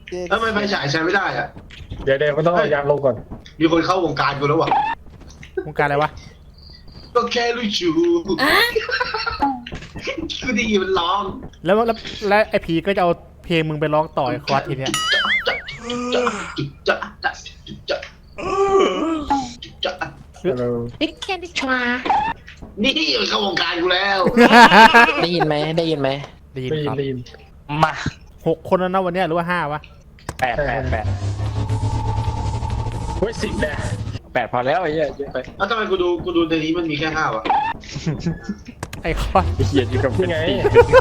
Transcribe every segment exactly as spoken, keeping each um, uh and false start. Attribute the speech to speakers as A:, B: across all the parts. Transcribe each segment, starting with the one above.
A: ทำไมไฟฉายใช้ไม่ได้อะ
B: เดี๋ยวเดี๋ยวมันต้องเอายางลงก่อน
A: มีคนเข้าวงการกูแล้ววะ
C: วงการอะไรวะ
A: ก็แค่รู้จูกูได้ยินมันร้อง
C: แล้วแล้วแล้วไอ้ผีก็จะเอาเพลงมึงไปร้องต่อไอ้คอร์สทีเนี้ย
D: นี่แค่ดิชมา
A: นี่เข้าวงการกูแล้ว
D: ได้ยินไหมได้ยินไหม
C: ได้ยิน
B: ได้ยิ
C: คน รับ
B: ได้ยิน
D: มา
C: หกคนแล้วนะวันเนี้ยหรือว่าห้าวะ
D: แปดแปดแปด
B: เฮ้ยสิบแน่
D: แปดพอแล้วไอ้เหี้ยเยอะไป
A: แล้วทำไมกูดูกูดูในนี้มันมีแค่ห้าวะ
C: ไอ้คอร์ส
D: เขียนอยู่กับเป็นปี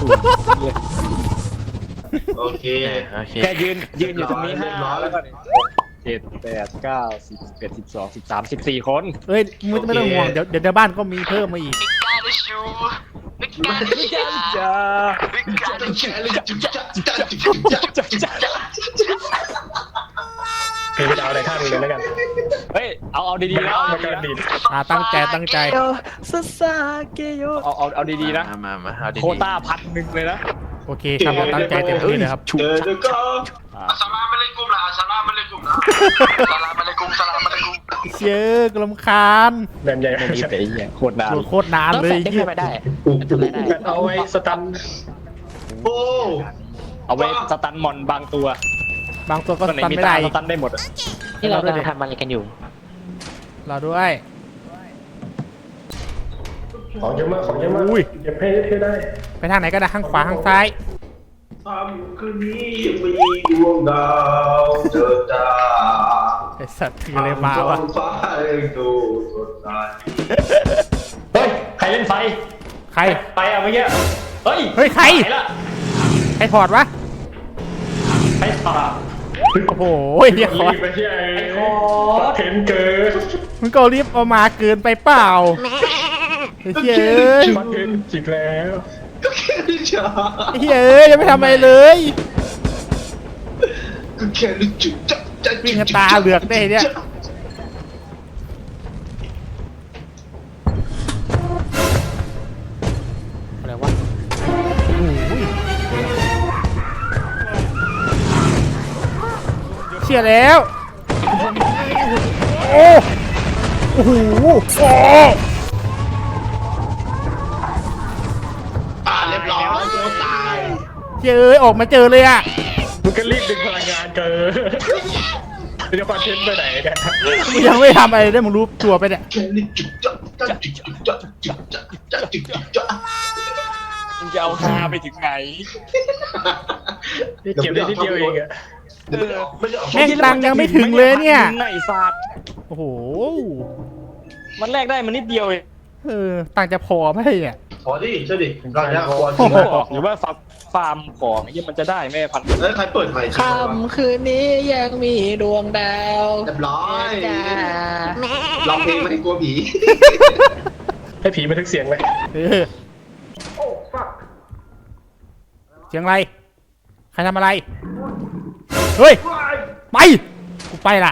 A: โอเค
D: แค่ยืนยืนอยู่ตรงนี้ห้าแล้วก็เจ็ดแปดเก้าสิบเอ็ดสิบสองสิบสามสิบสี่คน
C: เอ้ยไม่ไม่ต้องห่วงเดี๋ยวเดี๋ยวในบ้านก็มีเพิ่มมาอีก
D: จ้า
B: เพลงดาวในข้างเลยแล้วกัน
D: เฮ้ยเอาเอาดีๆนะ
B: มันกำลังดี
C: อ่าตั้งใจตั้งใจ
D: ซาซาเกโยเอาเอาเอาดีๆนะ
E: มามาเอาดีๆ
D: โคต้าพันหนึ่งเลยนะ
C: โอเคครับตั้งใจเต็มที่เลยครับ
A: เจอเด็กก็อัสสลามุอะลัยกุมละอัสสลามุอะลัยกุมละอัสสลามุอะลัยกุมอัสสลามุอะลัยกุม
C: เชื่อกลำคาญ
B: แบนใหญ่
D: ไม่มีแต่เหี้ยโคตรนาน
C: โคตรนานเลย
D: เหี้ยไม่ได้
B: เอาไว้สตัน
A: โอ้
D: เอาไว้สตันมอนบางตัว
C: บางตัวก็สตันไม่ได้
D: สตันได้หมดที่เรากำลังทำอะไรกันอยู่
C: รอด้วย
B: ของเยอะมากของเยอะมากเก็บให้ให้ได้
C: ไปทางไหนก็ได้ข้างขวาข้างซ้าย
A: ค่ำคืนนี้ยังมีดวงดาวเจอจ้า
C: ไอสัตว์ถืออะไรมาวะ
A: ฟ้าดูสดใส
B: เฮ้ยใครเล่นไฟ
C: ใคร
B: ไปเอาเมื่อกี้เฮ้ย
C: เฮ้ยใครใครถอดวะ
B: ใครถอด
C: โอ้โหเรียกคอร์ส
B: ไอ้คอร์สเห็นเกิน
C: มึงก็รีบเอามาเกินไปเปล่าเฮ้ยเฮ้ย
B: มันเห็นจิกแล้ว
A: ก็แค่รู้จัก
C: เฮ้ยยังไม่ทำอะไรเลย
A: ก็แค่รู้จักจักจัก
C: วิ่งตาเหลือกได้เนี่ยอะไรวะเชี่ยแล้วโอ้โอ้โหโอ้
A: ตายเรียบร้อยตัวตาย
C: เจอออกมาเจอเลยอ่ะ
B: มึงก็รีบดึงพลังงานเกินจะคอนเทนต์ไปไหนกัน
C: มึงยังไม่ทำอะไรได้มึงรู้ตัวไปเนี่ย
D: มึงจะเอาฮาไปถึงไหน
B: เก็บได้นิดเดียวเองอะ
C: แม่งตังยังไม่ถึงเลยเนี่ย
D: ไหนฟาด
C: โอ้โห
D: มันแลกได้มันนิดเดียวเอง
C: เออตังจะพอไหมเนี่ย
A: พอดิใช่ดิเราจะพอ
D: หรือว่าฟาร์มของยี่มันจะได้ไหมพัน
A: เอ้ยใครเปิดไฟ
D: ค่ำคืนนี้ยังมีดวงดาว
A: เรียบร้อยร้องเพลงไม่ให้กลัวผี
B: ให้ผีบันทึกเสียงเลย
C: เสียงอะไรใครทำอะไรเฮ้ยไปกูไปละ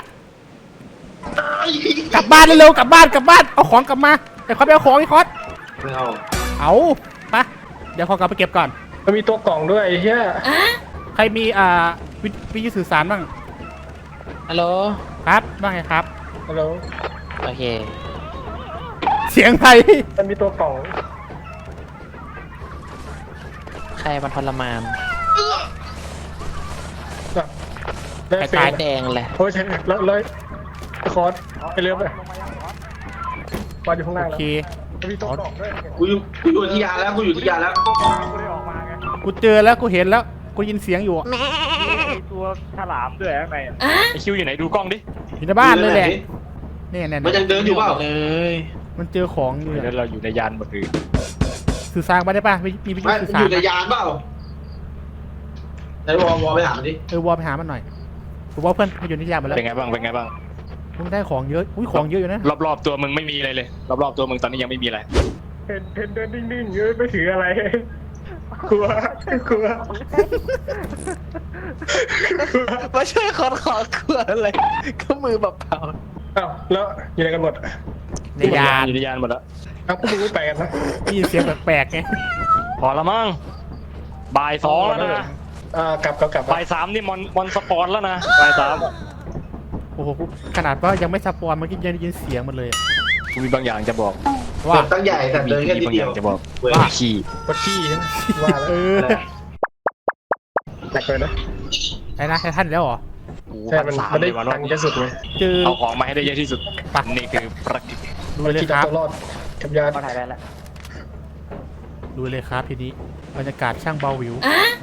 C: กลับบ้านเร็วๆกลับบ้านกลับบ้านเอาของกลับมาไอ้คอสไปเอาของไอ้คอส
A: ไม่เอา
C: เอาปะเดี๋ยวขอกลับไปเก็บก่อน
B: มันมีตัวกล่องด้วยไอ้เหี้ย
C: ใครมีอ่าวิทยุสื่อสารบ้าง
D: ฮัลโหล
C: ครับบ้างไงครับ
B: ฮัลโหล
D: โอเค
C: เสียงใคร
B: มันมีตัวกล่อง
D: ใครมันทรมาน
B: ไอ้
D: ตาแดงเลย
B: โอ้ยใช่แล้วเลยคอร์สไปเรือไปวางอยู่ข้างล่างแล้วมีตัวกล่องด้วย
A: กูอยู่กูอยู่ที่ยาแล้วกูอยู่ที่ยาแล้ว
C: กูเจอแล้วกูเห็นแล้วกูยินเสียงอยู่
D: ตัวฉลามด้วยข้างในไอคิวอยู่ไหนดูกล้องดิ
C: อยู่ในบ้านเลยแหละนี่เนี่ย
A: มันยังเดินอยู่เปล่า
D: เลย
C: มันเจอของอยู่
D: แล้วเราอยู่ในยานหมดเลย
C: สื่อสารมาได้ป่ะมีมีวิทยุสื่อสาร
A: อยู่ในยานเปล่าไหนวอลวอลไปหามันดิ
C: เออวอลไปหามันหน่อยผมว่าเพื่อนมันอยู่ในยานหมดแล้ว
D: เป็นไงบ้างเป็นไงบ้าง
C: มึงได้ของเยอะอุ้ยของเยอะอยู่นะ
D: รอบๆตัวมึงไม่มีอะไรเลยรอบๆตัวมึงตอนนี้ยังไม่มีอะไร
B: เพนเพนเดินนิ่งๆเยอะไม่ถืออะไรกลัวกลัว
D: ไม่ใช่คอนคอร์กลัวอะไรก็มือเปล่า
B: อ้าวแล้วอยู่ไหนกันหมด
C: ในยาน
D: อยู่ในยานหมดแล้ว
B: อ้าวพวกมึงไม่ไปกันนะ
C: มีเสียงแปลกๆไง
D: พอละมั้งบ่ายสองแล้วนะ
B: อ่ากลับกลับกลับ
D: บ่ายสามนี่มอนมอนสปอนแล้วนะบ่ายสาม
C: โอ้โหขนาดว่ายังไม่สปอนเมื่อกี้ยังได้ยินเสียงมันเลย
D: กูมีบางอย่างจะบอก
C: ว่า
A: ตั้งใหญ่แต่เดินแค่
D: มี
A: นิด
D: บางอ
A: เดีย
D: ย่าว งจะบอก
C: ว่า
D: ขี่
B: วัดขี้ใช่ไหมว่าแล้ว
C: เออ
B: แตกเลยนะ
C: ไอ้นะไอ้ท่านแล้วเหรอ
D: กู
B: ใช่
D: พั
B: มัน
D: นสาม
B: มันได้
D: เลยวัน
B: ตังค์เยอะสุดไง
C: เจอ
D: เอาของมาให้ได้เยอะที่สุด
C: ปะ
D: นี่คือประกิจ
C: ดู
B: มัน
C: เลย
B: คิด
C: ค
B: เอา
C: รับ
B: ตัวรอดกับยา
D: ก็ถ่ายได้แล้ว
C: ดูเลยครับทีนี้บรรยากาศช่างเบาวิว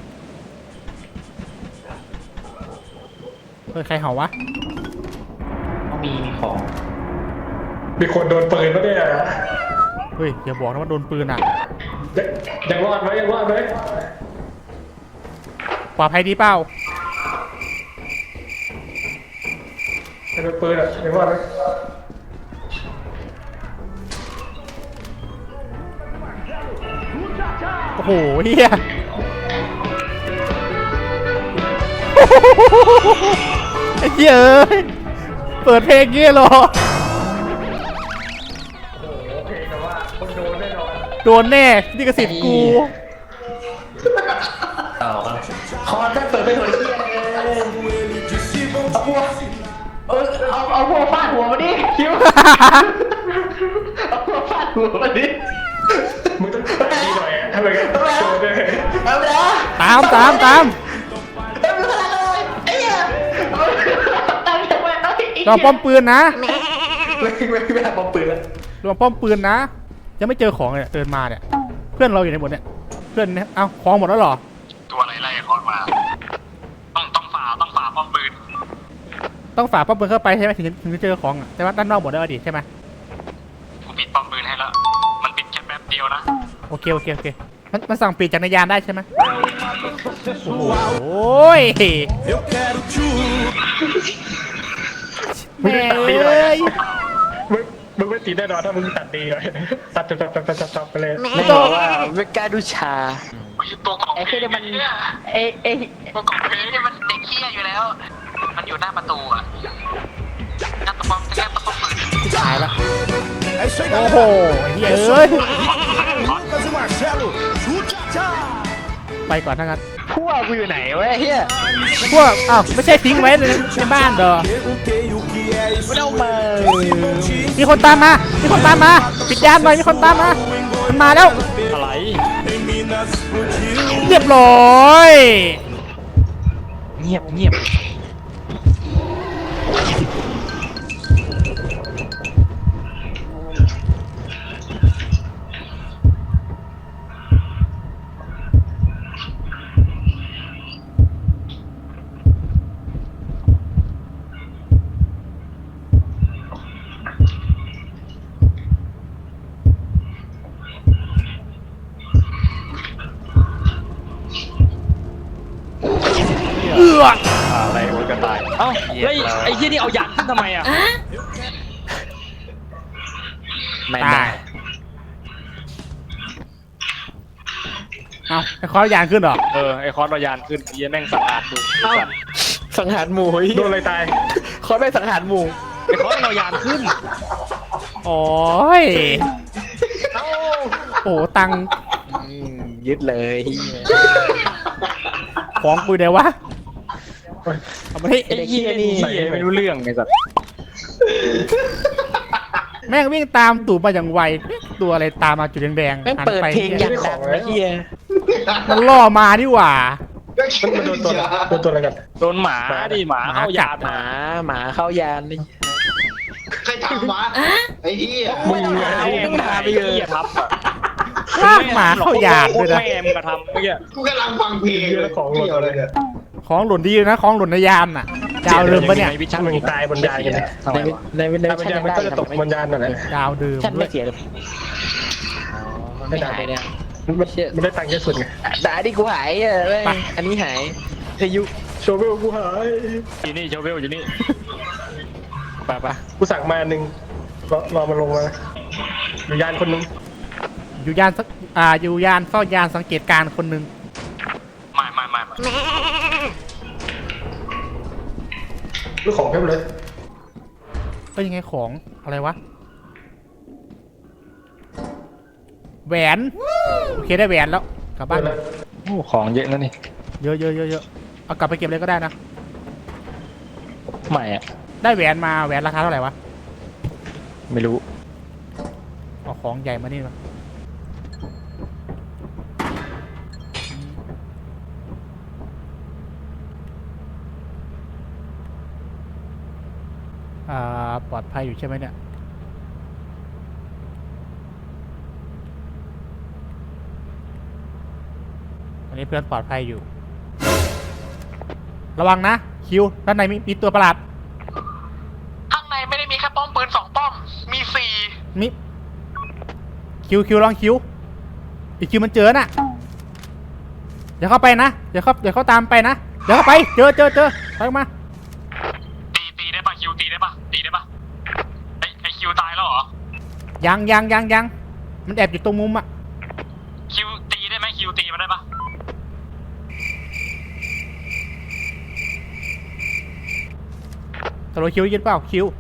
C: เฮ้ยใครเห่าวะ
D: มีของ
B: มีคนโดนปืนปะเนี่ย
C: เฮ้ยอย่าบอกนะว่าโดนปืนอ่ะ
B: ยังยังรอดไหมยังรอดไหม
C: ปลอดภัยดีเปล่า
B: ยังโดนปืนอ่ะยังรอดไหม
C: โอ้โหเฮียไอ้เหี้ยเอ้ยเปิดเพลงเงี้ยเหรอ
B: โอเคแต่ว่าคนโดนแน่นอน
C: โดนแน่นี่กระสิทธิ์กู
B: คอนแค่เปิดไปถอยเที่ยเอาพวกเออเอาเอาพวกฟาดหัวมาดิคิวเอาพวกฟาดหัวมาดิมึงต้องดีหน่อยอ่ะทำไมกันโดนด้วยเอาไปแล้ว
C: ตามตามตาม
B: เอาไปเลยไอ้เหี้ยตามทำไมเอาอีก
C: ลองป้อมปืนนะ
B: ไม่ไม่ไม่หาปอมปืนแล้ว
C: ลองป้อมปืนนะยังไม่เจอของเลยเดินมาเนี่ยเพื่อนเราอยู่ในหมดเนี่ยเพื่อนเนี่ยเอ้าของหมดแล้วเหรอ
A: ตัวอะไรไล่คอนมา ต้องต้องฝ่าต้องฝ่าป้อมปืน
C: ต้องฝ่าป้อมปืนเข้าไปใช่ไหมถึงถึงจะเจอของอะแต่ว่าด้านนอกหมดแล้วดิใช่ไหม
A: กูปิดป้อมปืนให้แล้ว มันปิดแค่แป๊บเดียวนะ
C: โอเคโอเคโอเคมันมันสั่งปิดจักรยานได้ใช่ไหมโอ้โหโอ้ยแม่เอ้ย
B: มึงมึงไม่ตีแน่นอนถ้ามึงตัดดีเลยตัดตัดตัดตัดตัดตัดไปเลย
C: ไม่ต้อง
D: เวกาดูชา
A: ตัวกล่อง
E: ไอ้
A: เพ
E: คือ
A: ลง
E: มัน
A: เนี่ย
E: ไอ้ไอ้
A: ตัวกล่องเพลงเนี่ยมันเด็กเขี้ยอยู่แล้ว มันอยู่หน้าประตูอ่ะหน้าตะป้อมแค่ตะป้อมปืน
C: ตายละโอ้โหไอ้เหี้ยเอ้ยไปก่อนทั้งนั้น
E: พวกกูอยู่ไหนวะไอ้เฮีย
C: พวกอ้าวไม่ใช่ทิ้งไว้ในในบ้านเหรอ
E: ไม่ต้องมา
C: มีคนตามมา มีคนตามมา ปิดยานหน่อยมีคนตามมา มันมาแล้ว
D: อะไร
C: เรียบร้อย
D: เงียบเงียบ
C: เอือ
D: อะไรโอ้ยกระต่ายเอ้าแล้วไอ้ที่นี่เอายางขึ้นทำไมอ่ะ
E: ไม่
C: ตา
E: ได้
C: ยเอาไอ้คอยยางขึ้นเหรอ
D: เออไอคอนเอายานขึ้นไอ้เหี้ยแม่งสังหารดู
E: เอ้าสังหารหมู่เฮ้ย
B: โดนอะไรตาย
E: คอนไม่สังหารหมู่
D: ไอคอนเอายานขึ้น
C: โอ้ยโอ้ตังค์
E: อืมยึดเลย
C: ของกูเดี๋ยววะ เอามาที่
E: ไอ้เฮียนี่
D: ใส่ไม่รู้เรื่องไงสัตว์
C: แม่งวิ่งตามตู่มาอย่างไว ตัวอะไรตามมาจุดแดงๆ
E: แม่ง
C: หัน
E: เปิด
C: ไป
E: เพลงอย่างดังไอ้เฮีย
C: มันล่อมานี่หว่า
B: มันมันโดนตัวโดนตัวอะไรกัน
D: โดนหมาดิหมาเอายาน
E: หมาหมาเข้ายานนี่
A: ใครทำวะไอ้เหี้ย
E: มึงไงมึงพาไปเลย
D: หี้ทับอ่ะ
C: ลากหมาเข้ายานด้วยนะ
D: แม่มึงกระทำเมื่อกี้
A: กูกำลังฟังเพลงเลยเกี่ยวเลยเนี่ย
C: ของหล่นดีนะ ของหล่นในยานน่ะดาวเดิมปะเนี่ย
D: วิชั่น
B: มึงตายบนยานกันเลย
D: ทำไม
E: ใน
D: วะ
E: ในใน
B: ตายบนยานมันก็จะตกบนยานนั่นแหละ
C: ดาวเดิม
E: ฉัน
C: ด้ว
E: ไม่
C: ย
E: เสียเลยไม่หายเนี่ย
B: มันมันได้ตังค์เยอะสุดไง
E: ด่าดิกูหายอ่ะแม่งอันนี้หายเทยุ
B: โชเวลกูหาย
D: อยู่นี่โชเวลอยู่นี่ไปไป
B: กูสั่งมาหนึ่งรอรอมันลงมาอยู่ยานคนนึง
C: อยู่ยานสักอ่าอยู่ยานเฝ้ายานสังเกตการณ์คนหนึ่ง
A: ไม่ไม่ไม่ไม่
B: ลูกของเพียบเลย
C: ก็ยังไงของอะไรวะแหวน โอเคได้แหวนแล้วกลับบ้าน
B: เลย
D: โอ้ของเยอะแล้วนี่
C: มเยอะเยอะเยอะเยอะเอากลับไปเก็บเลยก็ได้นะ
D: ไม่อะ
C: ได้แหวนมาแหวนราคาเท่าไหร่วะ
D: ไม่รู้
C: เอาของใหญ่มานี่มาอ่าปลอดภัยอยู่ใช่ไหมเนี่ยอันนี้เพื่อนปลอดภัยอยู่ระวังนะคิวด้านในมีมีตัวประหลาด
A: ข้างในไม่ได้มีแค่ป้อมปืนสองป้อม มีสี่
C: มิคิวคิวลองคิวอีกคิวมันเจอน่ะอย่าเข้าไปนะอย่าเข้าอย่าเข้าตามไปนะอย่าเข้าไปเจอเจอเจอไปออกมา
A: ตีตีได้ปะคิวตีได้ปะตีได้ปะไอไอคิวตายแล้วเหรอ
C: ยังยังยังยังมันแอบอยู่ตรงมุมอะ
A: คิวตีได้ไหมคิวตีมันได้ปะ
C: ตลอดคิวยืนเปล่าคิว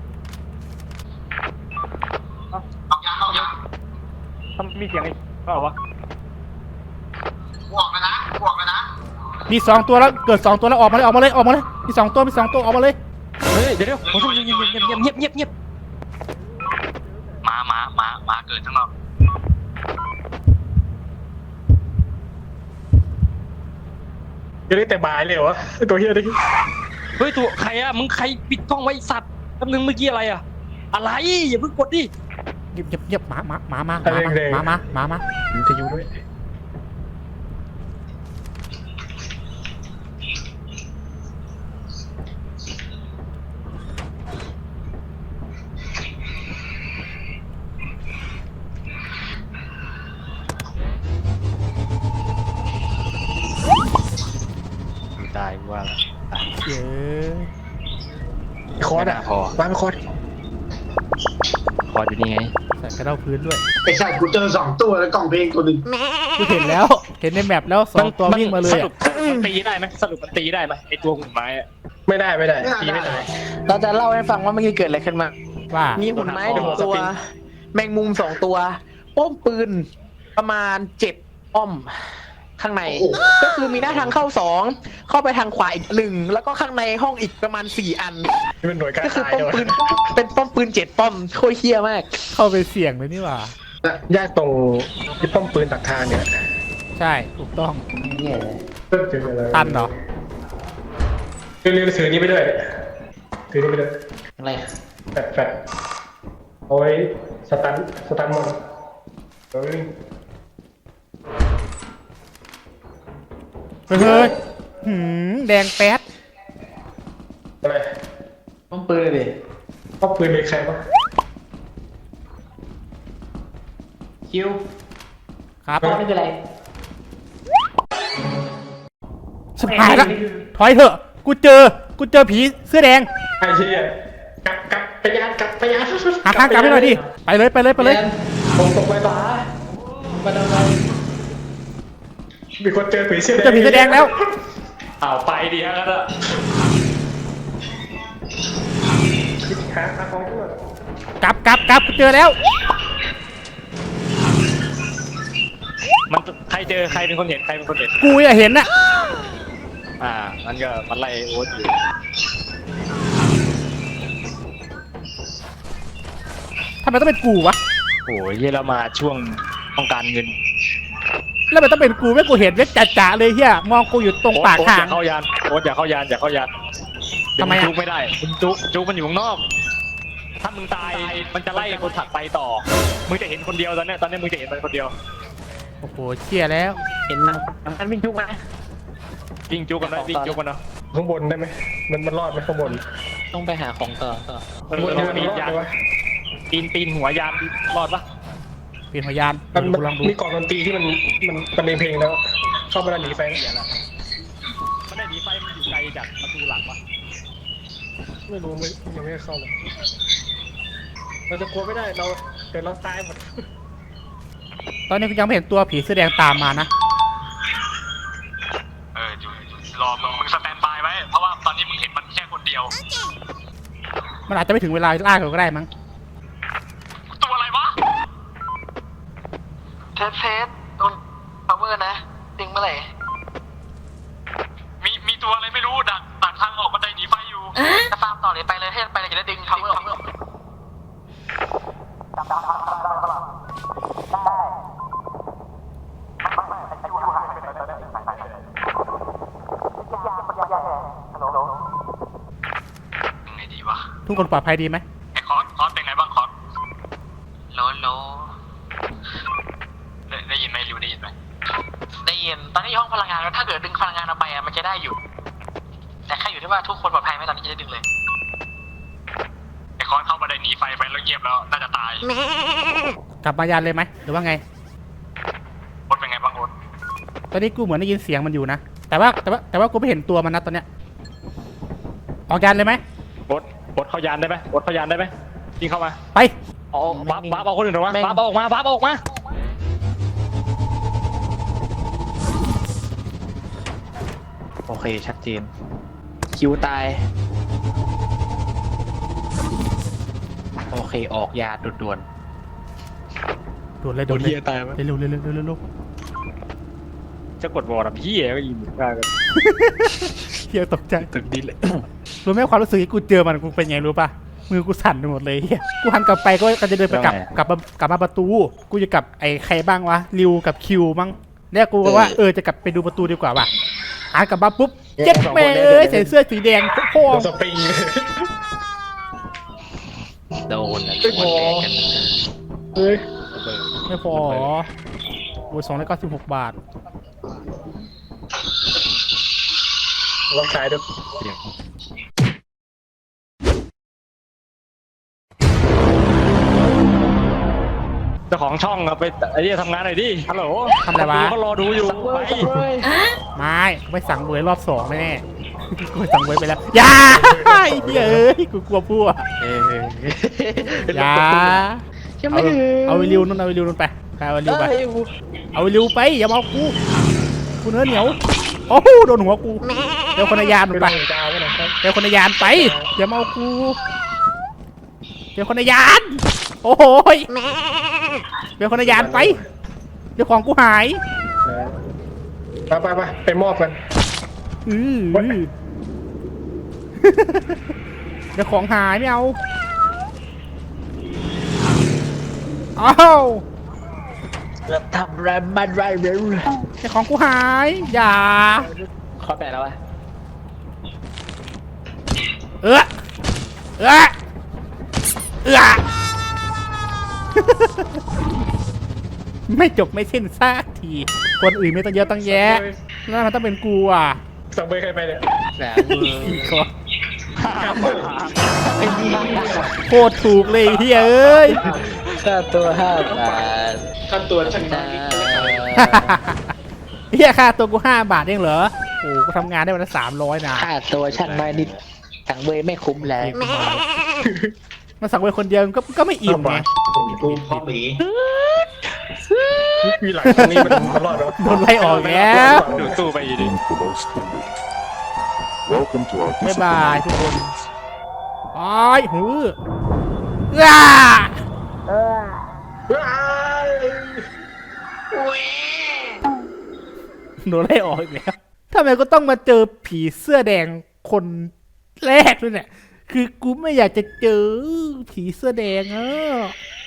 A: เอายังเอายัง
D: ถ้ามีเสียงอีกก็เอาวะ
A: บวกแล้วนะบวกแล้วนะ
C: มีสองตัวแล้วเกิดสองตัวแล้วออกมาเลยออกมาเลยออกมาเลยมีสองตัวมีสองตัวออกมาเลย
D: เฮ้ยเดี๋ยวเดี๋ยวผมต้องเงียบเงียบเงียบเงียบเงียบ
A: มามามามาเกิดทั้งเรา
D: จะได้แต่บายเลยเหรอวะตัวเฮียดิเฮ้ยตัวใครอะมึงใครปิดกล้องไว้สัตว์แป๊บนึงเมื่อกี้อะไรอะอะไรอย่าเพิ่งกดดิ
C: เงียบเงียบเงียบหมาหมาหมามา
D: อะไร
C: หมา
D: แดง
C: หมามาหมามา
D: วิทยุด้วยตายว่าแล้ว
C: เย้
D: คอร์ดอะพอวางไปคอร์ดคอร์ดอยู่นี่ไง
C: ใส่กระเด้าพื้นด้วย
B: ไอ้สัตว์กูเจอสองตัวแล้วกล่องเพลงตัวหนึ่ง
C: กูเห็นแล้วเห็นในแมปแล้วสองตัววิ่งมาเลย
D: สรุ
C: อะ
D: ปมันตีได้ไหมสรุปมันตีได้ไหมไอตัวหุ่นไม้อะ
F: ไม่ได้ไม่ได้ตีไม่ได้
E: เราจะเล่าให้ฟังว่าเมื่อกี้เกิดอะไรขึ้นมา
C: ว่า
E: มีหุ่นไม้หนึ่งตัว แมงมุมสองตัว ป้อมปืนประมาณเจ็ดป้อม ข้างใน ก็คือมีหน้าทางเข้าสองเข้าไปทางขวาอีกหนึ่งแล้วก็ข้างในห้องอีกประมาณสี่อัน
F: นี่เป็นหน่วยการ
E: ก็คือ
F: ตาย
E: ป้อม
F: เล
E: ปื
F: ย
E: นเป็นป้อมปืนเจ็ดป้อมโคตรเฮี้ยมาก
C: เข้าไปเสี่ยงเลยนี่หว่า
F: ยากตรงที่ป้อมปืนตักทางเนี่ย
C: ใช่ถูกต้อง
B: เนี่ย
F: เจออะไร
C: ตันเหรอ
F: เรื่องถือนี้ไปด้วยถือนี้ไปด้วย
B: อะไร
F: แฟดแฟดเอาไว้สตันสตันมันเฮ้ย
C: เฮ้ยหืมแดงแป๊ด
F: อะไร
B: ป้อมปืนเลยดิ
F: ป้อมปืนมีใครบ้าง
B: คิว
C: ครับ
B: ป้อมนี่คืออะไร
C: ชิบหายละถอยเถอะกูเจอกูเจอผีเสื้อแดง
F: ไอ้เชี่ยกลับกลับไปยานกลับไปยาน
C: หาข้างกลับให้หน่อยดิไปเลยไปเลยไปเลย
F: ผมตกไปต่อ
B: มาดำ
F: มีคนเจอผีเสื้อ
C: เจอผีเสื้อแดงแล้ว
D: อ้าวไปดิฮะก็
F: หาหาของด้วย
C: กลับกลับกลับกูเจอแล้ว
D: มันใครเจอใครเป็นคนเห็นใครเป็นคนเห็น
C: กูอยากเห็นน่ะ
D: อ่ามันก็มันไล่โอ๊ตอยู่
C: ทำไมต้องเป็นกูวะ
D: โอ้ยเยเรามาช่วงต้องการเงิน
C: แล้วมันต้องเป็นกูไม่กูเห็นเว็บจ่าๆเลยเฮียมองกูอยู่ตรงปาก
D: โอ๊ต
C: ทา
D: อง ย่าเข้ายานโอ๊ตอย่าเข้ายานอย่าเข้ายานเดี๋ยว
C: ทำไม
D: มึง
C: อะ
D: จุกไม่ได้มึงจุกจุกมันอยู่ข้างนอก ถ้ามึงตายมันจะไล่คนถัดไปต่อ มึงจะเห็นคนเดียวตอนเนี้ยตอนเนี้ยมึงจะเห็นมันคนเดียว
C: โอ้โหเชี่ยแล้ว
E: เห็นมันมันวิ่งทุกมา
D: วิ่งจุกกันนะวิ่งจุกกันนะ
F: ข้างบนได้ไหมมันมันรอดไหมข้างบน
E: ต้องไปหาของต่อต่อ
D: มัน
F: ข้างบน
D: ล
F: นี่
D: อง
F: มัน
D: ปีน
F: รอด
D: ยา
F: ไห
D: น
F: มวะ
D: ปีนปีนหัวยานรอดปะ
C: เปลี่ยนพยาน
F: มัน
C: ดูลองดู
F: มีกล่องดนตรีที่มันมันมันเพลงแล้ว เข้าไปแล้วหนีไฟเสียแล้ว
D: มันได้หนีไฟมันอยู่ไกลจากประตูหลังปะ
F: ไม่รู้ไม่ยังไม่ได้เข้าเลยเราจะกลัวไม่ได้เราเดี๋ยวเราตายหมด
C: ตอนนี้กูยังไม่เห็นตัวผีเสื้อแดงตามมานะ
A: เอออยู่รอมึงมึงสแตนบายไว้ เพราะว่าตอนนี้มึงเห็นมันแค่คนเดียว
C: มันอาจจะไม่ถึงเวลาล่าเขาก็ได้มั้ง
A: ตัวอะไรวะ เทสเทสโดนพาวเวอร์นะจริงเมื่อไหร่เลยไปเลยให้ไปเลยจะได้ดึง power ยังไงดีวะ
C: ทุกคนปลอดภัยดีไหม
A: ไอ้คอสคอสเป็นไงบ้างคอสโลโลได้ได้ยินไหมริวได้ยินไหมได้ยินตอนนี้ห้องพลังงานแล้วถ้าเกิดดึงพลังงานออกไปอะมันจะได้อยู่ แต่แค่อยู่ที่ว่าทุกคนปลอดภัยไหมตอนนี้จะได้ดึงเลยไอ้คอสเข้ามาได้หนีไฟไปแล้วเงียบแล้วน่าจะตาย
C: กลับมายานเลยไหมหรือว่าไง
A: โอ๊ตเป็นไงบ้างโอ๊ต
C: ตอนนี้กูเหมือนได้ยินเสียงมันอยู่นะ แต่ว่าแต่ว่าแต่ว่ากูไม่เห็นตัวมันนะตอนเนี้ย ออกยานเลยไหม
D: โอ๊ตโอ๊ตเข้ายานได้ไหมโอ๊ตเข้ายานได้ไหมยิงเข้ามา
C: ไป
D: เอาบ้าบ้าเอาคนอื่นออกมาบ้าเอาออกมาบ้าเอาออกมา
E: โอเคชัดเจน คิวตาย โอเคออกยาด่วน
C: โดนเลยโดนเลย
D: เฮียตายไหม
C: เร็วเร็วเร็วเร็วเร็วเร็ว
D: จะกดวอร์ดพี่ก็ยิงได้กัน
C: เฮียตกใจ
E: ๆตึกดีเลย
C: รู้ไหมความรู้สึกที่กูเจอมันกูเป็นไงรู้ป่ะ มือกูสั่นไปหมดเลยเฮียกูหันกลับไปก็ก็จะเดินไปกลับกลับมากลับมาประตู กูจะกลับไอ้ใครบ้างวะ ริวกับคิวมั้งเนี่ยกูก็ว่าเออจะกลับไปดูประตูดีกว่าว่ะหันกลับมาปุ๊บเจ็บแม่เอ้ยใส่เสื้อสีแดงโค้ง
F: โดนสปริง
E: โดนนะ
F: ไม่พอ เฮ้ย
C: ไม่พอเหรอโอ้ยสองร้อยเก้าสิบหกบาท
F: ลองขายดู
D: เจ้าของช่องอะไปไอ้นี่ทำงานหน่อยดิฮัลโหล
C: ทำอะไรวะ
D: เขารอดูอยู่ไป
C: ไม่ไม่สั่งเบยรอบสองแน่ๆกูสั่งเบยไปแล้วอย่าไอ้เหี้ยเอ้ยกูกลัวพวก
E: เออ
C: อย่า
E: ยัง
C: เอา
E: ไม่ถึง
C: เอาไปริวนู่นเอาไปริวนู่นไปไปเอาไปริวไป
E: เอ้ย
C: เอาไปริวไปอย่ามาเอากูกูเนื้อเหนียวโอ้โหโดนหัวกูเดี๋ยวคนในยานนู่นไป
F: ไปจ้าไปหน่อยครับ
C: เดี๋ยวคนในยานไปอย่ามาเอากูเดี๋ยวคนในยาน โอ้โหยเดี๋ยวคนในยานไปเดี๋ยวของกูหาย
F: ไปไปไปไปมอบกัน
C: อือเดี๋ยวของหายไม่เอาอ้าว
E: ทำแรมมันไรเร็ว
C: เดี๋ยวของกูหายอย่า
E: ขอแปะแล้ววะ
C: เออเออเออ ไม่จบไม่สิ้นสักทีคนอื่นไม่ต้องเยอะต้องแยะแล้วมันต้องเป็นกูอ่ะ
F: สั่งไปใครไปเนี่ย
E: แสน
C: อีกคนโคตรถูกเลยเฮียเอ้ย
E: ค่าตัวห้าบาท
F: ขั้นตัวช่าง
E: นะ
C: เฮียค่าตัวกูห้าบาทเองเหรอโอ้กูทำงานได้วันละสามร้อยนะ
E: ค่าตัวช่างน้อยนิดสั่งเบยไม่คุ้มแล้ว
C: มาสั่งไปคนเดียวก็ก็ไม่อิ่มไง
F: กูพ่อหมีมีหลังตรงนี้มันตลอดแล้ว
C: โดนไล่ออกแล้ว
D: ดูตู้ไปอยู่ดิ
G: Welcome to our
C: บ๊าย
G: discipline.
C: บายทุกคนอ้ายหืออ้าโดนไล่ออกอีกแล้วทำไมก็ต้องมาเจอผีเสื้อแดงคนแรกด้วยเนี่ย คือกูไม่อยากจะเจอผีเสื้อแดงอ่ะ